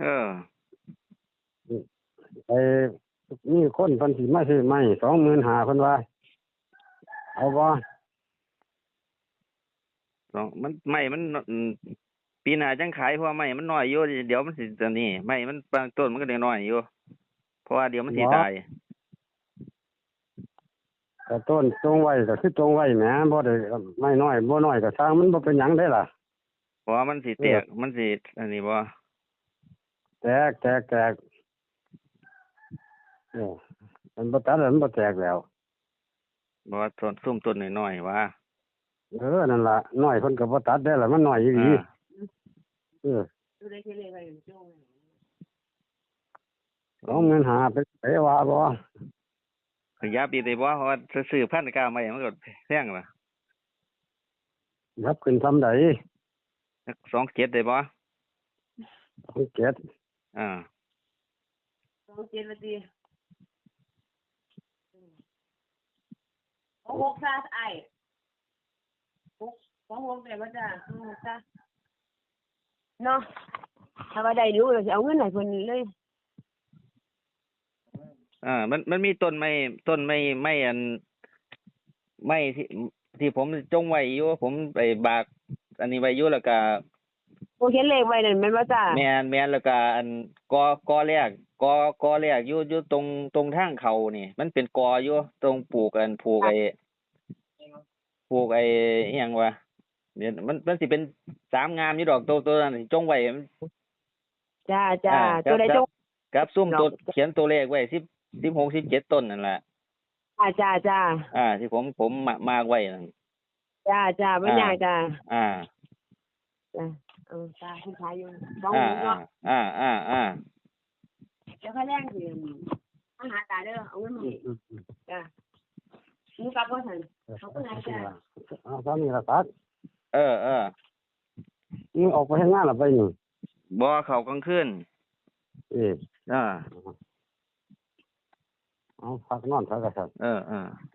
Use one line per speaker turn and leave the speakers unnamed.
เออ
ไอ้นี่คนเพิ่นสิมาซื้อไม้25,000เพิ่นว่าเอาบ่
มันไม่มันปีหน้าจังขายเพราะว่าไม่มันน้อยอยู่เดี๋ยวมันสิจะนี่ไม่มันบางต้นมันก็ได้น้อยอยู่เพราะว่าเดี๋ยวมันสิตาย
แต่ต้นจงไว้ก็คือจงไว้แหมบ่ได้ไม่น้อยบ่น้อยก็สร้างมันบ่เป็นหยังได้ล่ะ
เพราะว่ามันสิแตกมันสิอันนี้บ่
แตกมันบ่ตัดแล้วมันบ่แตกแล้ว
บ่ว่าต้นน้อยๆว่า
นั่นล่ะน้อยเพิ่นก็บ่ตัดได้ล่ะมันน้อยอีหลี25,000ไปว่าบ่
ขยับอีกได้บ่เพราะว่าซื้อพันธุ์กล้าใหม่มันก็แพงล่ะ
ยับขึ้นทำใด
สัก27ได้บ่
27
อ่า
27นาที6ซะไอ้6ได้บ่จ้ะ6ซะเนาะถ้าว่าได้รู้แล้วสิเอาเงินให้เพิ่นเลย
มันมีต้นไม้อันไม้ที่ผมจงไว้อยู่ผมไปบากอันนี้ไว้อยู่แล้วก็
เขียนเลขไว้นั่นแม่นบ่จ้ะ
แม่นแล้วก็อันกอแรกอยู่ตรงทางเขานี่มันเป็นกออยู่ตรงปลูกไอ้อิหยังวะเนี่ยมันสิเป็น3งามอยู่ดอกตัวนั้นจงไว้
จ้าตัวใดจง
กับซุ่มตัวเขียนตัวเลขไว้16 17ต้นนั่นแหละ
จ้า
ที่ผมมากไว้นั่น
จ้าบ่ยากจ้า
จ้า
จ้าคุณขายอยู่บ้องเนาะเดี๋ยวค่อยแรงสิมาหาตาเด้อเอาเงินมาจ้ามึงกลับบ่ทันเขาก็ได้จ้า
ตอนนี้ล่ะตัดมึงออกไปทำงานล่ะไปนี่
บ่เข้ากลางคืน
เอาพักนอนซะก็ซั่น